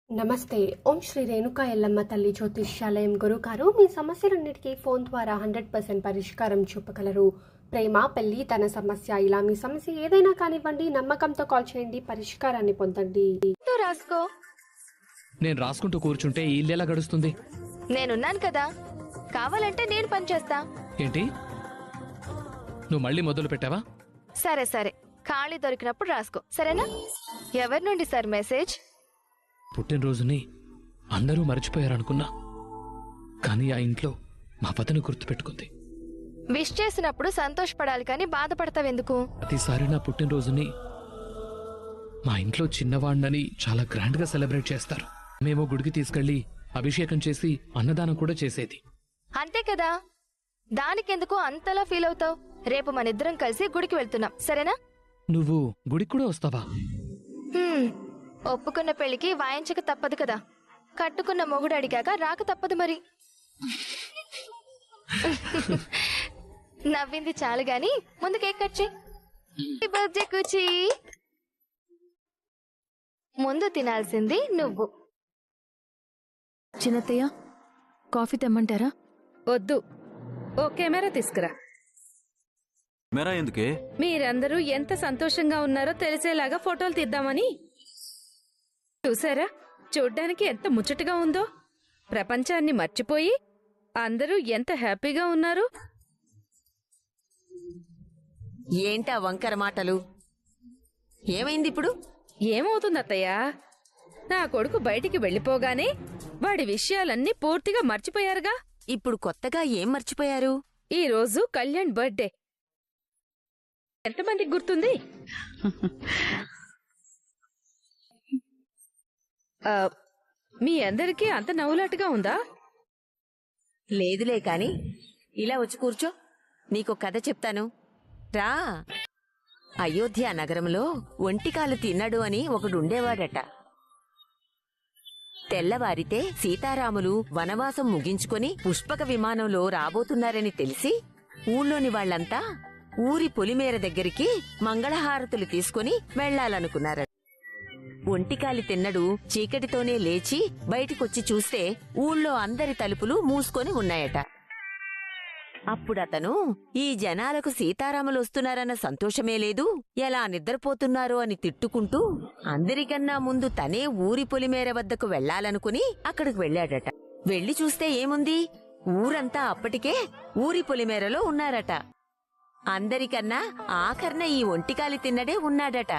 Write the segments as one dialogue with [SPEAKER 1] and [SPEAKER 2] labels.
[SPEAKER 1] నమస్తే. ఓం శ్రీ రేణుకా ఎల్లమ్మ తల్లి జ్యోతిష్యాలయం గురుగారు మీ సమస్యలన్నిటికీ ఫోన్ ద్వారా 100% పరిష్కారం చూపగలరు. ప్రేమ, పెళ్లి, ధన సమస్య, ఇలా మీ సమస్య ఏదైనా కానివ్వండి, నమ్మకంతో కాల్ చేయండి, పరిష్కారాన్ని పొందండి.
[SPEAKER 2] రాసుకో.
[SPEAKER 3] నేను రాసుకుంటూ కూర్చుంటే ఈ ఇల్లు ఎలా గడుస్తుంది?
[SPEAKER 2] నేనున్నాను కదా, కావాలంటే నేను పనిచేస్తా.
[SPEAKER 3] ఏంటి, నువ్వు మళ్ళీ మొదలు పెట్టావా?
[SPEAKER 2] సరే సరే, ఖాళీ దొరికినప్పుడు రాసుకో, సరేనా? ఎవరి నుండి సార్ మెసేజ్?
[SPEAKER 3] పుట్టినరోజుని అందరూ మర్చిపోయారనుకున్నా, కానీ ఆ ఇంట్లో మా వదిన గుర్తుపెట్టుకుంది.
[SPEAKER 2] విష్ చేసినప్పుడు సంతోషపడాలి కానీ బాధపడతావెందుకు?
[SPEAKER 3] ప్రతిసారి నా పుట్టినరోజుని మా ఇంట్లో చిన్నవాడినని చాలా గ్రాండ్ గా సెలబ్రేట్ చేస్తారు. మేము గుడికి తీసుకెళ్లి అభిషేకం చేసి అన్నదానం కూడా చేసేది.
[SPEAKER 2] అంతే కదా, దానికెందుకు అంతలా ఫీల్ అవుతావు? రేపు మనిద్దరం కలిసి గుడికి వెళ్తున్నాం, సరేనా?
[SPEAKER 3] నువ్వు గుడికి కూడా వస్తావా?
[SPEAKER 2] ఒప్పుకున్న పెళ్లికి వాయించక తప్పదు కదా, కట్టుకున్న మొగుడు అడిగాక రాక తప్పదు మరి. నవ్వింది చాలు గాని ముందు కేక్ కట్ చెయ్యి. బర్త్డే కూచి. ముందు తినాల్సింది నువ్వు.
[SPEAKER 4] చిన్నత్తయ్య, కాఫీ తెమ్మంటారా?
[SPEAKER 5] వద్దు, ఓ కెమెరా తీసుకురా.
[SPEAKER 6] కెమెరా ఎందుకే?
[SPEAKER 5] మీరందరూ ఎంత సంతోషంగా ఉన్నారో తెలిసేలాగా ఫోటోలు తీద్దామని. చూసారా, చూడ్డానికి ఎంత ముచ్చటగా ఉందో. ప్రపంచాన్ని మర్చిపోయి అందరూ ఎంత హ్యాపీగా ఉన్నారు.
[SPEAKER 7] ఏంటా వంకర మాటలు? ఏమైంది ఇప్పుడు?
[SPEAKER 5] ఏమవుతుంది అత్తయ్య, నా కొడుకు బయటికి వెళ్ళిపోగానే వాడి విషయాలన్నీ పూర్తిగా మర్చిపోయారుగా.
[SPEAKER 7] ఇప్పుడు కొత్తగా ఏం మర్చిపోయారు?
[SPEAKER 5] ఈ రోజు కళ్యాణ్ బర్త్డే. ఎంతమందికి గుర్తుంది? మీ అందరికీ అంత నవ్వులాటగా ఉందా?
[SPEAKER 7] లేదులే కాని ఇలా వచ్చి కూర్చో, నీకో కథ చెప్తాను రా. అయోధ్య నగరంలో ఒంటికాలు తిన్నాడు అని ఒకడుండేవాడట. తెల్లవారితే సీతారాములు వనవాసం ముగించుకొని పుష్పక విమానంలో రాబోతున్నారని తెలిసి ఊళ్ళోని వాళ్లంతా ఊరి పొలిమేర దగ్గరికి మంగళహారతులు తీసుకుని వెళ్లాలనుకున్నారట. ఒంటికాలి తిన్నడు చీకటితోనే లేచి బయటికొచ్చి చూస్తే ఊళ్ళో అందరి తలుపులు మూసుకొని ఉన్నాయట. అప్పుడతను ఈ జనాలకు సీతారాములు వస్తున్నారన్న సంతోషమే లేదు, ఎలా నిద్రపోతున్నారో అని తిట్టుకుంటూ అందరికన్నా ముందు తనే ఊరి పొలిమేర వద్దకు వెళ్లాలనుకుని అక్కడికి వెళ్లాడట. వెళ్లి చూస్తే ఏముంది, ఊరంతా అప్పటికే ఊరి పొలిమేరలో ఉన్నారట. అందరికన్నా ఆఖర్న ఈ ఒంటికాలి తిన్నడే ఉన్నాడట.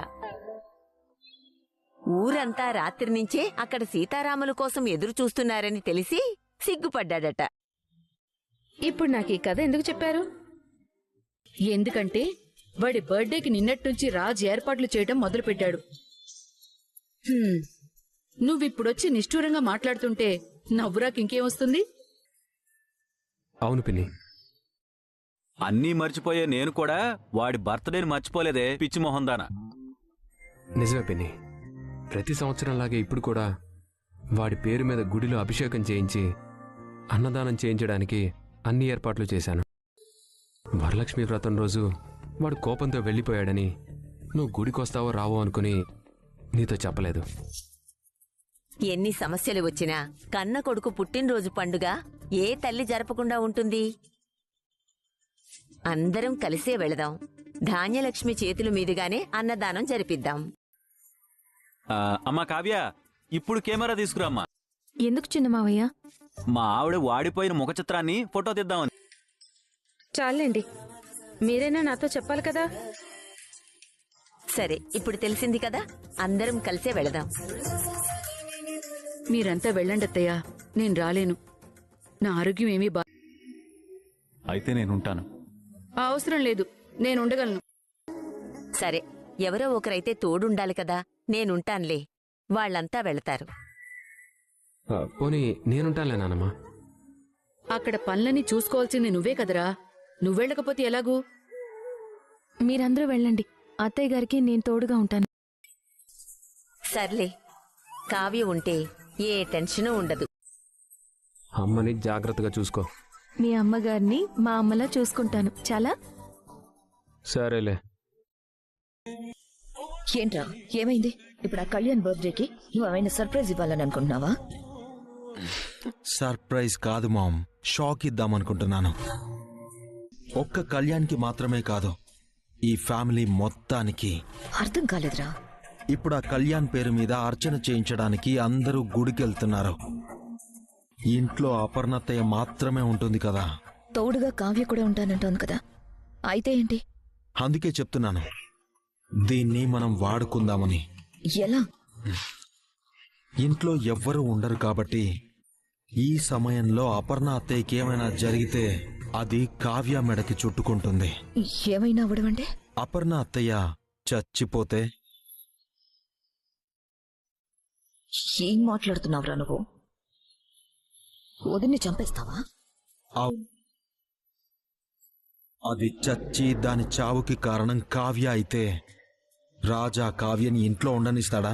[SPEAKER 7] ఊరంతా రాత్రి నుంచే అక్కడ సీతారాముల కోసం ఎదురు చూస్తున్నారని తెలిసి సిగ్గుపడ్డాడట.
[SPEAKER 5] ఇప్పుడు నాకు ఈ కథ ఎందుకు చెప్పారు?
[SPEAKER 4] ఎందుకంటే వాడి బర్త్డేకి నిన్నట్నుంచి రాజ్ ఏర్పాట్లు చేయటం మొదలుపెట్టాడు. నువ్విప్పుడొచ్చి నిష్ఠూరంగా మాట్లాడుతుంటే నవ్వురాకింకేం వస్తుంది?
[SPEAKER 6] అవును పిన్ని, అన్నీ మర్చిపోయే నేను కూడా వాడి బర్త్డేని మర్చిపోలేదే పిచ్చి మొహందానా.
[SPEAKER 8] నిజమే పిన్ని, ప్రతి సంవత్సరంలాగే ఇప్పుడు కూడా వాడి పేరు మీద గుడిలో అభిషేకం చేయించి అన్నదానం చేయించడానికి అన్ని ఏర్పాట్లు చేశాను. వరలక్ష్మి వ్రతం రోజు వాడు కోపంతో వెళ్ళిపోయాడని నువ్వు గుడికొస్తావో రావో అనుకుని నీతో చెప్పలేదు.
[SPEAKER 7] ఎన్ని సమస్యలు వచ్చినా కన్న కొడుకు పుట్టినరోజు పండుగ ఏ తల్లి జరపకుండా ఉంటుంది? అందరం కలిసే వెళదాం. ధాన్యలక్ష్మి చేతుల మీదుగానే అన్నదానం జరిపిద్దాం.
[SPEAKER 6] అమ్మా కావ్య, ఇప్పుడు కెమెరా తీసుకురామ్మా.
[SPEAKER 4] ఎందుకు చిన్నమావయ్య?
[SPEAKER 6] మా ఆవిడ వాడిపోయిన ముఖ చిత్రాన్ని ఫోటో తీద్దామని.
[SPEAKER 5] చాలండి, మీరైనా నాతో చెప్పాలి కదా.
[SPEAKER 7] సరే, ఇప్పుడు తెలిసింది కదా, అందరం కలిసే వెళదాం.
[SPEAKER 4] మీరంతా వెళ్ళండత్తయ్యా, నేను రాలేను. నా ఆరోగ్యం ఏమీ
[SPEAKER 6] అయితే నేనుంటాను.
[SPEAKER 4] అవసరం లేదు, నేనుండగలను.
[SPEAKER 7] సరే, ఎవరో ఒకరైతే తోడుండాలి కదా. నేనుంటాన్లే, వాళ్లంతా వెళతారు.
[SPEAKER 8] పోనీ నేనుంటానులే నానమ్మా.
[SPEAKER 4] అక్కడ పనులన్నీ చూసుకోవాల్సింది నువ్వే కదరా, నువ్వెళ్ళకపోతే ఎలాగూ?
[SPEAKER 9] మీరందరూ వెళ్ళండి, అత్తయ్య గారికి నేను తోడుగా ఉంటాను.
[SPEAKER 7] సర్లే, కావ్య ఉంటే ఏ టెన్షను ఉండదు.
[SPEAKER 8] అమ్మని జాగ్రత్తగా చూసుకో.
[SPEAKER 9] మీ అమ్మగారిని మా అమ్మలా చూసుకుంటాను, చాలా.
[SPEAKER 8] సరేలే.
[SPEAKER 9] ఏంట్రా ఏమైంది? ఇప్పుడు ఆ కళ్యాణ్ బర్త్డేకి నువ్వు ఏమైనా సర్ప్రైజ్ ఇవ్వాలని అనుకుంటున్నావా?
[SPEAKER 10] సర్ప్రైజ్ కాదు మామ్, షాక్ ఇద్దామనుకుంటున్నాను. ఒక్క కళ్యాణ్కి మాత్రమే కాదు, ఈ ఫ్యామిలీ మొత్తానికి.
[SPEAKER 9] అర్థం కాలేదురా.
[SPEAKER 10] ఇప్పుడు ఆ కళ్యాణ్ పేరు మీద అర్చన చేయించడానికి అందరూ గుడికి వెళ్తున్నారు. ఇంట్లో అపర్ణత్తయ్య మాత్రమే ఉంటుంది కదా.
[SPEAKER 9] తోడుగా కావ్య కూడా ఉంటానంటోంది కదా, అయితే ఏంటి?
[SPEAKER 10] అందుకే చెప్తున్నాను, దీన్ని మనం వాడుకుందామని.
[SPEAKER 9] ఎలా?
[SPEAKER 10] ఇంట్లో ఎవ్వరూ ఉండరు కాబట్టి ఈ సమయంలో అపర్ణ అత్తయ్యకి ఏమైనా జరిగితే అది కావ్య మెడకి చుట్టుకుంటుంది.
[SPEAKER 9] ఏమైనా అవడమంటే?
[SPEAKER 10] అపర్ణ అత్తయ్య చచ్చిపోతే?
[SPEAKER 9] ఏం మాట్లాడుతున్నావురా నువ్వు? వదిన్ని చంపేస్తావా?
[SPEAKER 10] అది చచ్చి దాని చావుకి కారణం కావ్య అయితే రాజా కావ్యని ఇంట్లో ఉండనిస్తాడా?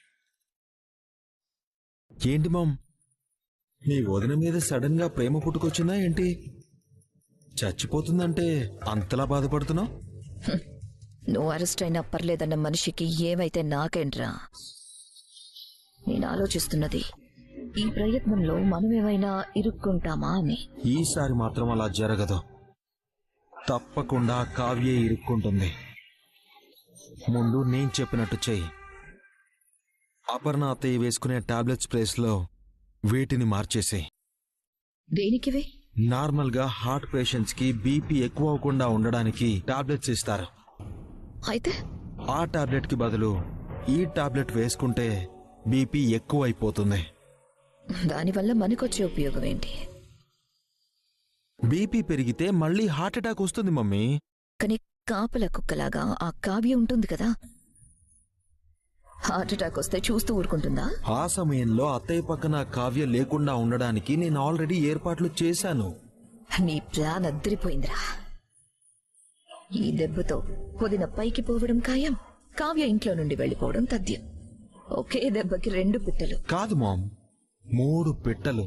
[SPEAKER 10] ఏంటి మామ్, మీ వదిన మీద సడన్ గా ప్రేమ పుట్టుకొచ్చిందా ఏంటి? చచ్చిపోతుందంటే అంతలా బాధపడుతున్నావు?
[SPEAKER 9] నువ్వు అరెస్ట్ అయినా పర్లేదన్న మనిషికి ఏమైతే నాకేంట్రా? నేను ఆలోచిస్తున్నది ఈ ప్రయత్నంలో మనమేమైనా ఇరుక్కుంటామా అని.
[SPEAKER 10] ఈసారి మాత్రం అలా జరగదు. తప్పకుండా కావ్యే ఇరుక్కుంటుంది. ముందు నేను చెప్పినట్టు చెయ్యి. అపర్ణ అత్తయ్య వేసుకునే టాబ్లెట్స్ ప్లేస్ లో వీటిని మార్చేసేయ్.
[SPEAKER 9] దేనికివి?
[SPEAKER 10] నార్మల్ గా హార్ట్ పేషెంట్స్ కి బీపీ ఎక్కువ అవ్వకుండా ఉండడానికి టాబ్లెట్స్ ఇస్తారు.
[SPEAKER 9] అయితే
[SPEAKER 10] ఆ టాబ్లెట్ కి బదులు ఈ టాబ్లెట్ వేసుకుంటే బీపీ ఎక్కువ అయిపోతుంది.
[SPEAKER 9] దానివల్ల మనకొచ్చే ఉపయోగం ఏంటి?
[SPEAKER 10] బీపీ పెరిగితే మళ్ళీ హార్ట్ అటాక్ వస్తుంది మమ్మీ.
[SPEAKER 9] కానీ కాపల కుక్కలాగా ఆ కావ్య ఉంటుంది కదా, హార్ట్ అటాక్ వస్తే చూస్తూ ఊరుకుంటుందా?
[SPEAKER 10] ఆ సమయంలో అత్తయ్య పక్కన కావ్య లేకుండా ఉండడానికి నేను ఆల్రెడీ ఏర్పాట్లు చేశాను.
[SPEAKER 9] నీ ప్లాన్ అద్దరిపోయిందిరా. ఈ దెబ్బతో వదిన పైకి పోవడం ఖాయం, కావ్య ఇంట్లో నుండి వెళ్ళిపోవడం తథ్యం. ఒకే దెబ్బకి 2 పిట్టలు.
[SPEAKER 10] కాదు మామ్, 3 పిట్టలు.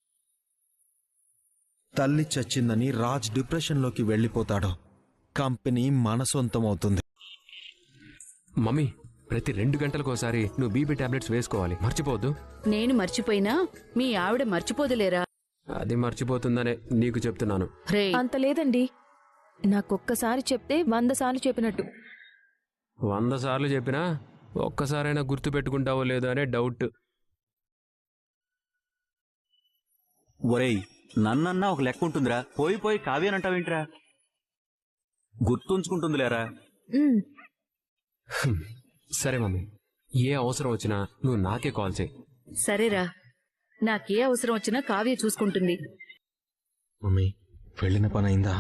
[SPEAKER 10] తల్లి చచ్చిందని రాజ్ డిప్రెషన్లోకి వెళ్ళిపోతాడు. కంపెనీ మన సొంతం అవుతుంది.
[SPEAKER 8] మమ్మీ, ప్రతి 2 గంటలకోసారి నువ్వు బీపీ టాబ్లెట్స్ వేసుకోవాలి, మర్చిపోవద్దు.
[SPEAKER 5] నేను మర్చిపోయినా మీ ఆవిడ మర్చిపోదులేరా?
[SPEAKER 8] అది మర్చిపోతుందనే నీకు చెప్తున్నాను.
[SPEAKER 5] రే,
[SPEAKER 9] అంత లేదండి, నాకొక్కసారి చెప్తే 100 సార్లు చెప్పినట్టు.
[SPEAKER 8] 100 సార్లు చెప్పినా ఒక్కసారైనా గుర్తు పెట్టుకుంటావో లేదో అనే డౌట్.
[SPEAKER 6] ఒరేయ్, నన్నన్నా ఒక లెక్క ఉంటుందిరా, పోయి పోయి కావ్యనంటావేంట్రా? గుర్తుంచుకుంటుందిలేరా.
[SPEAKER 8] సరే మమ్మీ, ఏ అవసరం వచ్చినా నువ్వు నాకే కాల్ చేయి.
[SPEAKER 5] సరేరా, నాకే అవసరం వచ్చినా కావ్య చూసుకుంటుంది.
[SPEAKER 10] మమ్మీ, వెళ్ళిన పని అయిందా?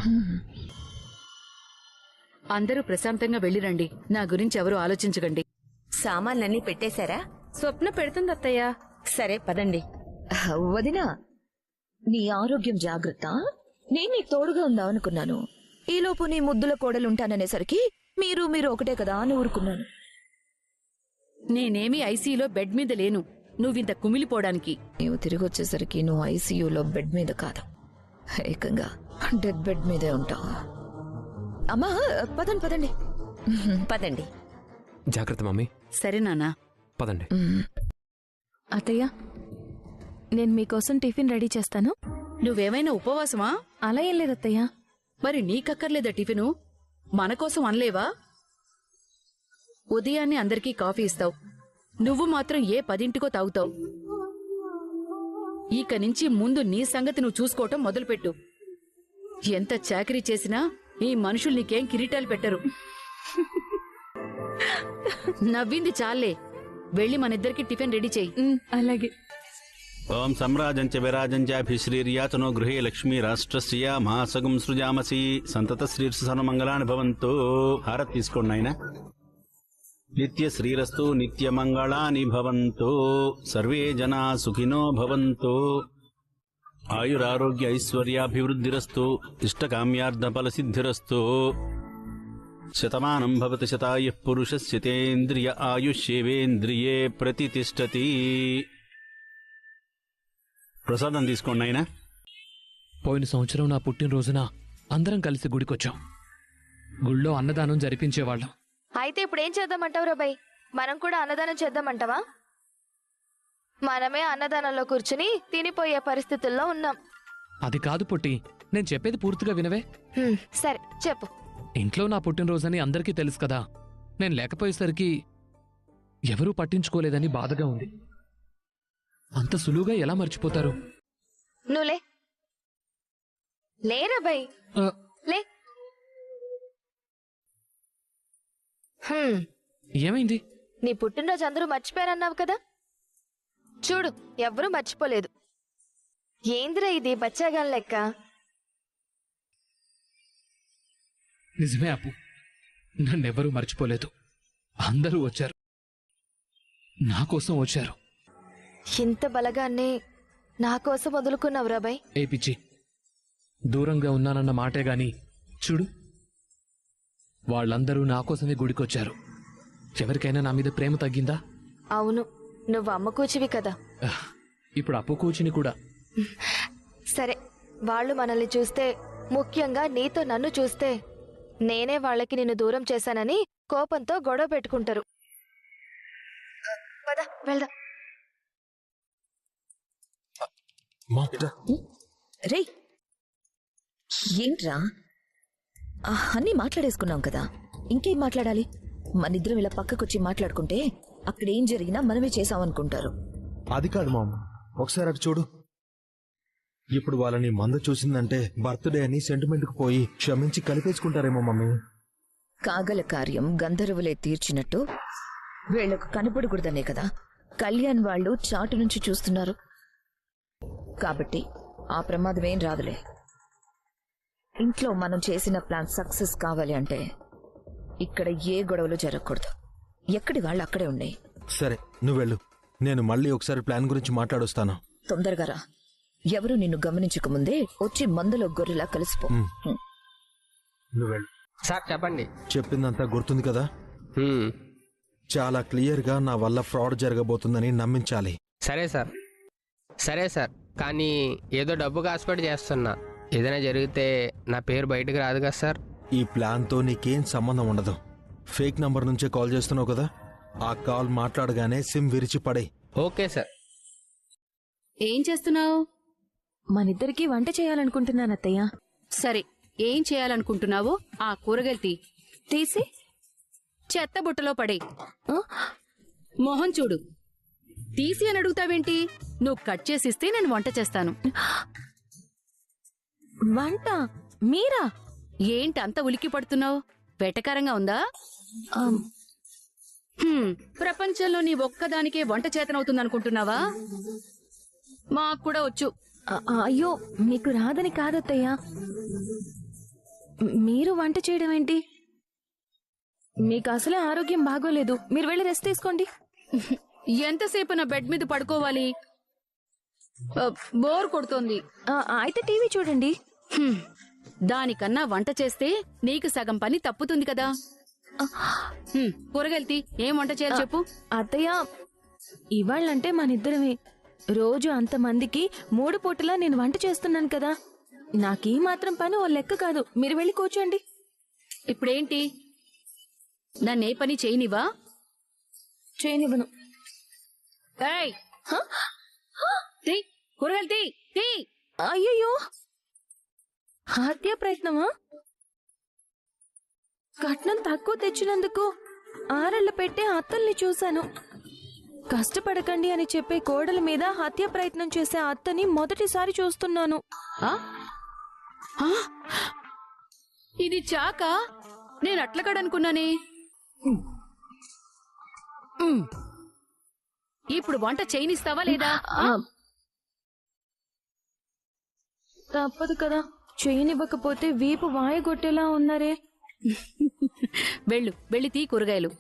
[SPEAKER 5] అందరూ ప్రశాంతంగా వెళ్ళిరండి. నా గురించి ఎవరు ఆలోచించకండి.
[SPEAKER 7] సామాన్లన్నీ పెట్టేశారా?
[SPEAKER 5] స్వప్న పెడుతుంది అత్తయ్య.
[SPEAKER 7] సరే పదండి.
[SPEAKER 9] వదినా, నీ ఆరోగ్యం జాగ్రత్త. నేను నీకు తోడుగా ఉందామనుకున్నాను. ఈలోపు నీ ముద్దుల కోడలుంటాననేసరికి మీరు ఒకటే కదా అని ఊరుకున్నాను.
[SPEAKER 5] నేనేమీ ఐసీయూలో బెడ్ మీద లేను, నువ్వింత కుమిలిపోవడానికి.
[SPEAKER 9] నీవు తిరిగి వచ్చేసరికి నువ్వు ఐసీయూలో బెడ్ మీద కాదు, ఏకంగా డెడ్ బెడ్ మీదే ఉంటావు. అమ్మా, పదండి.
[SPEAKER 7] పదండి.
[SPEAKER 8] జాగ్రత్త మమ్మీ.
[SPEAKER 5] సరే నాన్నా,
[SPEAKER 8] పదండి.
[SPEAKER 9] అత్తయ్య, నేను మీకోసం టిఫిన్ రెడీ చేస్తాను.
[SPEAKER 5] నువ్వేమైనా ఉపవాసమా?
[SPEAKER 9] అలా ఏం లేదు అత్తయ్య.
[SPEAKER 5] మరి నీకక్కర్లేదా టిఫిను? మనకోసం అనలేవా? ఉదయాన్నే అందరికీ కాఫీ ఇస్తావు, నువ్వు మాత్రం ఏ 10ంటికో తాగుతావు. ఇక నుంచి ముందు నీ సంగతి నువ్వు చూసుకోవటం మొదలుపెట్టు. ఎంత చాకరీ చేసినా ఈ మనుషులు నీకేం కిరీటాలు పెట్టరు. నవ్వింది చాలే, వెళ్ళి మనిద్దరికి టిఫిన్ రెడీ చెయ్యి.
[SPEAKER 9] అలాగే.
[SPEAKER 6] ఓం సమ్రాజంచ విరాజంచాభిశ్రీర్యాతనో గృహే లక్ష్మీ రాష్ట్రస్య మహాసగం సృజామసి సంతత శ్రీర్సు సర్వమంగళాని భవంతు. హారత్ తీసుకోండి నాయనా. నిత్య శ్రీరస్తు నిత్యమంగళాని భవంతు. సర్వే జనా సుఖినో భవంతు. ఆయురారోగ్య ఐశ్వర్యాభివృద్ధిరస్తు. ఇష్టకామ్యార్థ ఫలసిద్ధిరస్తు. శతమానం భవతి శతాయుః పురుషస్యతేంద్రియ ఆయుష్యేవేంద్రియే ప్రతితిష్టతి. ప్రసాదం తీసుకోండి నాయనా.
[SPEAKER 3] పోయిన సంవత్సరం నా పుట్టినరోజున అందరం కలిసి గుడికొచ్చాం. గుళ్ళో అన్నదానం జరిపించేవాళ్ళం.
[SPEAKER 2] అయితే ఇప్పుడు ఏం చేద్దామంటావు రాబాయ్? మనం కూడా అన్నదానం చేద్దామంటావా? మనమే అన్నదానంలో కూర్చుని తినిపోయే పరిస్థితుల్లో ఉన్నాం.
[SPEAKER 3] అది కాదు పొట్టి, నేను చెప్పేది పూర్తిగా వినవే.
[SPEAKER 2] సరే చెప్పు.
[SPEAKER 3] ఇంట్లో నా పుట్టినరోజని అందరికీ తెలుసు కదా. నేను లేకపోయేసరికి ఎవరూ పట్టించుకోలేదని బాధగా ఉంది. అంత సులువుగా ఎలా మర్చిపోతారు?
[SPEAKER 2] నువ్వులే లేరా బాయ్,
[SPEAKER 3] ఆ,
[SPEAKER 2] లే.
[SPEAKER 3] ఏమైంది?
[SPEAKER 2] నీ పుట్టినరోజు అందరూ మర్చిపోయారన్నావు కదా, చూడు ఎవ్వరూ మర్చిపోలేదు. ఏందిరా ఇది బచ్చాగాన్ లెక్క?
[SPEAKER 3] నిజమే అప్పు, నన్నెవరూ మర్చిపోలేదు. అందరూ వచ్చారు, నా కోసం వచ్చారు.
[SPEAKER 2] ఇంత బలగాన్ని నా కోసం వదులుకున్నావు రాబాయ్.
[SPEAKER 3] ఏ పిచ్చి, దూరంగా ఉన్నానన్న మాటే గాని చూడు, వాళ్ళందరూ నా కోసమే గుడికొచ్చారు. ఎవరికైనా నా మీద ప్రేమ తగ్గిందా?
[SPEAKER 2] అవును, నువ్వు అమ్మ కూచివి కదా.
[SPEAKER 3] ఇప్పుడు అప్పు కూచిని కూడా.
[SPEAKER 2] సరే, వాళ్ళు మనల్ని చూస్తే, ముఖ్యంగా నీతో నన్ను చూస్తే, నేనే వాళ్ళకి నిన్ను దూరం చేశానని కోపంతో గొడవ పెట్టుకుంటారు. పద వెళ్దాం.
[SPEAKER 9] రేయ్, ఏంట్రా అన్నీ మాట్లాడేసుకున్నాం కదా, ఇంకేం మాట్లాడాలి? మనిద్దరం ఇలా పక్కకొచ్చి మాట్లాడుకుంటే అక్కడ ఏం జరిగినా మనమే చేసామనుకుంటారు.
[SPEAKER 10] అది కాదు మామ, ఒకసారి అటు చూడు. ఇప్పుడు వాళ్ళని మంద చూసిందంటే బర్త్డే అని సెంటిమెంట్కి పోయి క్షమించి కలిపేసుకుంటారేమో మమ్మీ.
[SPEAKER 9] కాగల కార్యం గంధర్వులే తీర్చినట్టు వీళ్లకు కనపడకూడదనే కదా కళ్యాణ్ వాళ్ళు చాటు నుంచి చూస్తున్నారు. కాబట్టి ఆ ప్రమాదం ఏం రాదులే. ఇంట్లో మనం చేసిన ప్లాన్ సక్సెస్ కావాలి అంటే ఇక్కడ ఏ గొడవలు జరగకూడదు. ఎక్కడి వాళ్ళు అక్కడే ఉన్నాయి.
[SPEAKER 10] సరే, నువ్వు వెళ్ళు. నేను మళ్ళీ ఒకసారి ప్లాన్ గురించి మాట్లాడొస్తాను.
[SPEAKER 9] తొందరగా రా. ఎవరు నిన్ను గమనించకముందే వచ్చి మందులో గొర్రెలా కలిసిపో.
[SPEAKER 10] నువ్వు వెళ్ళు.
[SPEAKER 8] సార్ చెప్పండి.
[SPEAKER 10] చెప్పిందంతా గుర్తుంది కదా? చాలా క్లియర్గా నా వల్ల ఫ్రాడ్ జరగబోతుందని నమ్మించాలి.
[SPEAKER 11] సరే సార్, కానీ ఏదో డబ్బు కాసుపడి చేస్తున్నా. ఏదైనా జరిగితే నా పేరు బయటకు రాదు కదా సార్.
[SPEAKER 10] ఈ ప్లాన్తో నీకేం సంబంధం ఉండదు. ఫేక్ నంబర్ నుంచే కాల్ చేస్తున్నావు కదా, ఆ కాల్ మాట్లాడగానే సిమ్ విరిచి పడే.
[SPEAKER 11] Okay sir.
[SPEAKER 5] ఏం చేస్తున్నావు?
[SPEAKER 9] మనిద్దరికి వంట చేయాలనుకుంటున్నాను అత్తయ్య.
[SPEAKER 5] సరే, ఏం చేయాలనుకుంటున్నావో ఆ కూరగాయలు తీసి చెత్త బుట్టలో పడే. మొహం చూడు, తీసి అని అడుగుతావేంటి? నువ్వు కట్ చేసిస్తే నేను వంట చేస్తాను.
[SPEAKER 9] వంట మీరా?
[SPEAKER 5] ఏంటి అంత ఉలిక్కి పడుతున్నావు? వెటకారంగా ఉందా? ప్రపంచంలో నీ ఒక్కదానికే వంట చేతనవుతుందనుకుంటున్నావా? మాకు కూడా వచ్చు.
[SPEAKER 9] అయ్యో, మీకు రాదని కాదత్తయ్య. మీరు వంట చేయడం ఏంటి? మీకు అసలే ఆరోగ్యం బాగోలేదు. మీరు వెళ్ళి రెస్ట్ తీసుకోండి.
[SPEAKER 5] ఎంతసేపు నా బెడ్ మీద పడుకోవాలి? బోర్ కొడుతోంది.
[SPEAKER 9] అయితే టీవీ చూడండి.
[SPEAKER 5] దానికన్నా వంట చేస్తే నీకు సగం పని తప్పుతుంది కదా. కూరగాయలు ఏం వంట చేయాలి చెప్పు.
[SPEAKER 9] అత్తయ్య, ఇవాళ్ళంటే మనిద్దరమే. రోజు అంతమందికి 3 పూటలా నేను వంట చేస్తున్నాను కదా. నాకీ మాత్రం పని ఓ లెక్క కాదు. మీరు వెళ్ళి కూర్చోండి.
[SPEAKER 5] ఇప్పుడేంటి, నన్నే పని చేయనివా?
[SPEAKER 9] చేయనివ్వను.
[SPEAKER 5] కూరగాయలు తీ.
[SPEAKER 9] అయ్యయ్యో, హత్య ప్రయత్నమా? కట్నం తక్కువ తెచ్చినందుకు ఆరళ్ళ పెట్టే అత్తల్ని చూశాను. కష్టపడకండి అని చెప్పే కోడల మీద హత్య ప్రయత్నం చేసే అత్తని మొదటిసారి చూస్తున్నాను.
[SPEAKER 5] ఇది చాక? నేను అట్లకాడనుకున్నానే. ఇప్పుడు వంట చేయనిస్తావా లేదా?
[SPEAKER 9] తప్పదు కదా, చేయనివ్వకపోతే వీపు వాయగొట్టేలా ఉన్నారే.
[SPEAKER 5] వెళ్ళి తీ కూరగాయలు.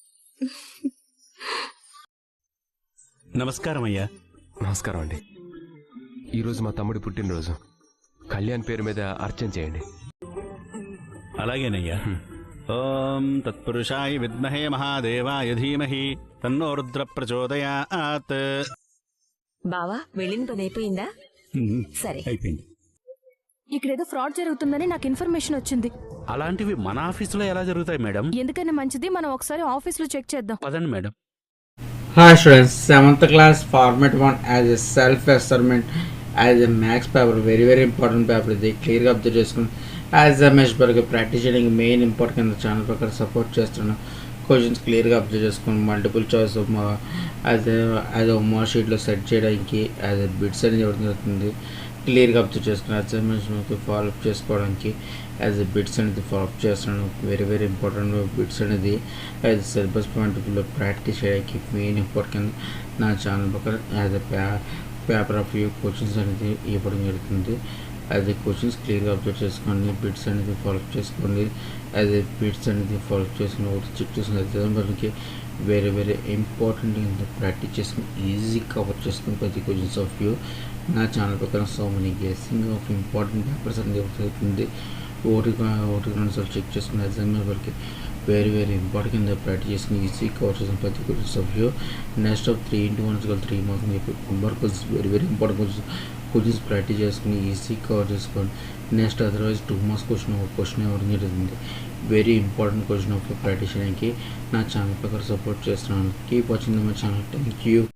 [SPEAKER 6] నమస్కారం అయ్యా.
[SPEAKER 8] నమస్కారం అండి. ఈరోజు మా తమ్ముడి పుట్టినరోజు. కళ్యాణ్ పేరు మీద అర్చన చేయండి.
[SPEAKER 6] అలాగేనయ్యా. ఓం తత్పురుషాయ విద్మహే మహాదేవాయ ధీమహి తన్నో రుద్ర ప్రచోదయాత్.
[SPEAKER 7] బావా, వెళ్ళిన పని అయిపోయిందా? సరే.
[SPEAKER 6] అయిపోయింది.
[SPEAKER 5] ఇక్కడ ఏదో ఫ్రాడ్ జరుగుతుందని నాకు ఇన్ఫర్మేషన్ వచ్చింది.
[SPEAKER 12] అలాంటివి మన ఆఫీసులో ఎలా జరుగుతాయి మేడం?
[SPEAKER 5] ఎందుకని మంచిది, మనం ఒకసారి ఆఫీస్లో చెక్ చేద్దాం.
[SPEAKER 12] పదండి madam.
[SPEAKER 13] Hi students, 7th class format 1 as a self assessment as a max paper, very important paper. ఇది క్లియర్గా అబ్జర్వ్ చేసుకుని యాజ్ అ మెష్ బర్గ్ ప్రాక్టీస్ చేయడానికి మెయిన్ ఇంపార్టెంట్ ఛానల్ ప్రకారం సపోర్ట్ చేస్తున్నాను. క్వశ్చన్స్ క్లియర్గా అబ్జర్వ్ చేసుకుని మల్టిపుల్ చాయిస్ యాజ్ హోంవర్క్ షీట్లో సెట్ చేయడానికి యాజ్ ఎ బిట్స్ అనేది ఇవ్వడం జరుగుతుంది. క్లియర్గా అబ్జర్వ్ చేసుకుని అసైన్మెంట్స్ ఫాలోఅప్ చేసుకోవడానికి యాజ్ ఎ బిట్స్ అనేది ఫాలోఅప్ చేస్తున్నాను. వెరీ ఇంపార్టెంట్ బిట్స్ అనేది యాజ్ సిలబస్ పాయింట్ ఆఫ్ వ్యూలో ప్రాక్టీస్ చేయడానికి మెయిన్ ఇంపార్టెంట్ నా ఛానల్ ప్రకారం as a paper of view questions అనేది ఇవ్వడం జరుగుతుంది. యాజ్ ఎ క్వశ్చన్స్ క్లియర్గా అబ్జర్వ్ చేసుకోండి, బిట్స్ అనేది ఫాలోఅప్ చేసుకోండి. యాజ్ ఎ బిట్స్ అనేది ఫాలోఅప్ చేసుకుని ఒకటి చెక్ చేసుకుని మనకి వెరీ ఇంపార్టెంట్ ప్రాక్టీస్ చేసుకుని ఈజీ కవర్ చేసుకుని ప్రతి క్వశ్చన్స్ ఆఫ్ వ్యూ నా ఛానల్ ప్రకారం so many guessing of important papers అనేది అవుతుంది. ఒకటి రెండు సార్లు చెక్ చేసుకుని ఎగ్జామ్ వరకు వెరీ ఇంపార్టెంట్ ప్రాక్టీస్ చేసుకుని ఈజీ కవర్ చేసిన ప్రతి questions of view. Next of 3x1 3 marks అని చెప్పి number questions very important questions practice చేసుకుని ఈజీ కవర్ చేసుకోండి. నెక్స్ట్ అదర్వైజ్ 2 మార్క్స్ క్వశ్చన్ ఇవ్వడం జరుగుతుంది. Very important question of practice చేయడానికి నా ఛానల్ ప్రకారం సపోర్ట్ చేస్తున్నాను. Keep watching my channel. Thank you.